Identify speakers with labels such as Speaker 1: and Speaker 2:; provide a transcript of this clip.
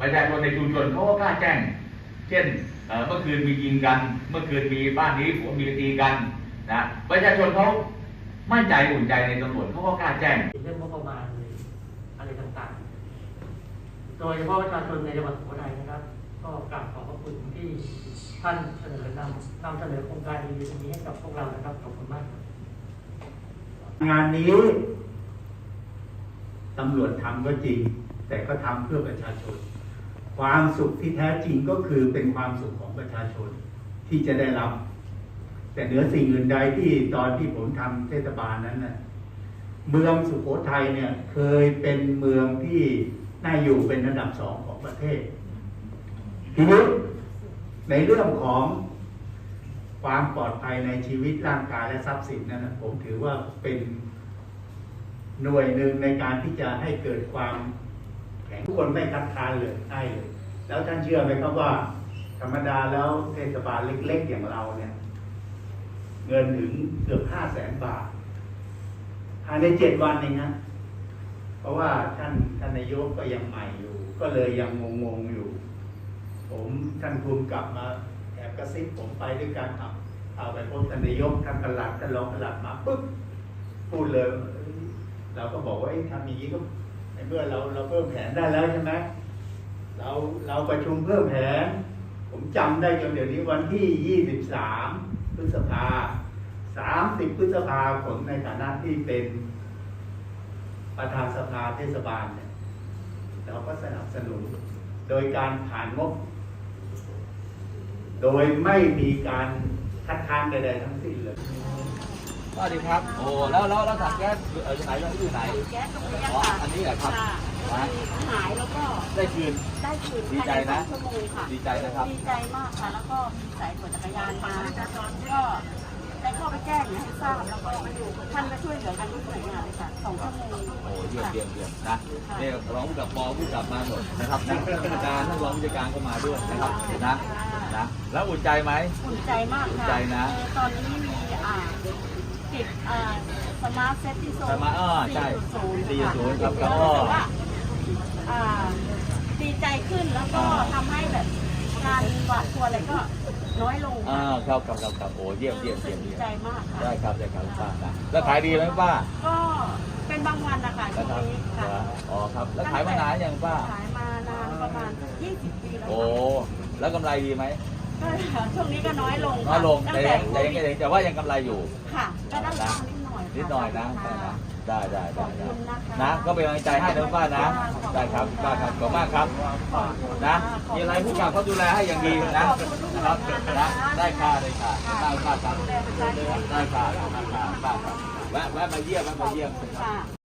Speaker 1: ประชาชนในชุมชนเขาก็กล้าแจ้งเช่นเมื่อคืนมียิงกันเมื่อคืนมีบ้านนี้ผัวเมียตีกันนะประชาชนเขามั่นใจอุ่นใจในตำรวจเขาก็กล้าแจ้ง
Speaker 2: เรื่องงบประมาณอะไรต่างๆโดยเฉพาะประชาชนในจังหวัดสุโขทัยนะครับ ก็กราบขอบพระคุณที่ท่านเสนอนำเสนอโครงการดีๆนี้ให้กับพวกเรานะครับขอบคุณมาก
Speaker 3: งานนี้ตำรวจทำก็จริงแต่ก็ทำเพื่อประชาชนความสุขที่แท้จริงก็คือเป็นความสุขของประชาชนที่จะได้รับแต่เหนือสิ่งอื่นใดที่ตอนที่ผมทำเทศบาลนั้นน่ะเมืองสุโขทัยเนี่ยเคยเป็นเมืองที่น่าอยู่เป็นอันดับ2ของประเทศทีนี้ในเรื่องของความปลอดภัยในชีวิตร่างกายและทรัพย์สินนั้นผมถือว่าเป็นหน่วยหนึ่งในการที่จะให้เกิดความแข็งทุกคนไม่คัดค้านเลยให้เลยแล้วท่านเชื่อไหมครับว่าธรรมดาแล้วเทศบาลเล็กๆอย่างเราเนี่ยเงินถึงเกือบ500,000 บาทภายใน7 วันเองนะเพราะว่าท่านนายกก็ยังใหม่อยู่ก็เลยยังงงๆอยู่ผมท่านภูมิกลับมาแอบกระซิบผมไปด้วยกันเอาไปพบท่านนายกท่านปลัดท่านรองปลัดมาปุ๊บพูดเลยเราก็บอกว่าทำอย่างนี้ก็ในเมื่อเราเพิ่มแผนได้แล้วใช่ไหมเราประชุมเพิ่มแผนผมจำได้จนเดี๋ยวนี้วันที่23 พฤษภา30 พฤษภาผมในฐานะที่เป็นประธานสภาเทศบาลเนี่ยเราก็สนับสนุนโดยการผ่านงบโดยไม่มีการคัดค้านใดๆทั้งสิ้นเลย
Speaker 1: สวัสดีครับโอ้แล้วถังแก๊สอยู่ไหนอยู่ไหน
Speaker 4: แก๊สตรงนี้
Speaker 1: อ๋อ
Speaker 4: ค่ะ
Speaker 1: อันนี้แหละครับ
Speaker 4: หายแล้วก็
Speaker 1: ได้คืนดีใจนะ
Speaker 4: ชั่วโมงค่ะ
Speaker 1: ดีใจนะครับ
Speaker 4: ดีใจมากค่ะแล้วก็มีสายตรวจจักรยานมาก็ได้เข้าไปแจ้งให้ทราบแล้วก็ท่านก็ช่วยเหลือกันทุกหน่วยงานเลยค่ะ2 ชั่วโมง
Speaker 1: โอ้เยี่ยมนะนี่รองผู้กับปอผู้กับมาหมดนะครับนักผู้การท่านรองผู้การก็มาด้วยนะครับนะแล้วอุ่นใจไหม
Speaker 4: อุ่นใจมากค่ะ
Speaker 1: อุ่นใจนะ
Speaker 4: ตอนนี้มีติดสมาร์ทเซฟที่โซน
Speaker 1: ใช่4.0ครับ
Speaker 4: ก็ดีใจขึ้นแล้วก็ทำให้แบบการหวาดกลัวอะไรก็น้อยลง
Speaker 1: ครับโอ้เยี่ยม
Speaker 4: ดีใจมากค่ะ
Speaker 1: ได้ครับป้านะแล้วขายดีไหมป้า
Speaker 4: ก็เป็นบางวันนะคะช่วงนี้ค่ะ
Speaker 1: อ๋อครับแล้วขายมานานยังป้า
Speaker 4: ขายมานานประมาณ20 ปีแล้ว
Speaker 1: โอ้แล้วกำไรดีไหม
Speaker 4: ช่วงนี้ก็น้อยลง
Speaker 1: แต่ว่ายังกำไรอยู่
Speaker 4: ค่ะก็ได้
Speaker 1: นิดหน่อยนะได้นะก็เป็นกำลังใจให้นะป้านะได้ครับป้าครับขอบคุณมากครับนะมีอะไรผู้กำกับเขาดูแลให้อย่างดีนะครับนะได้ค่ะได้ครับได้ค่ะป้าครับแวะมาเยี่ยม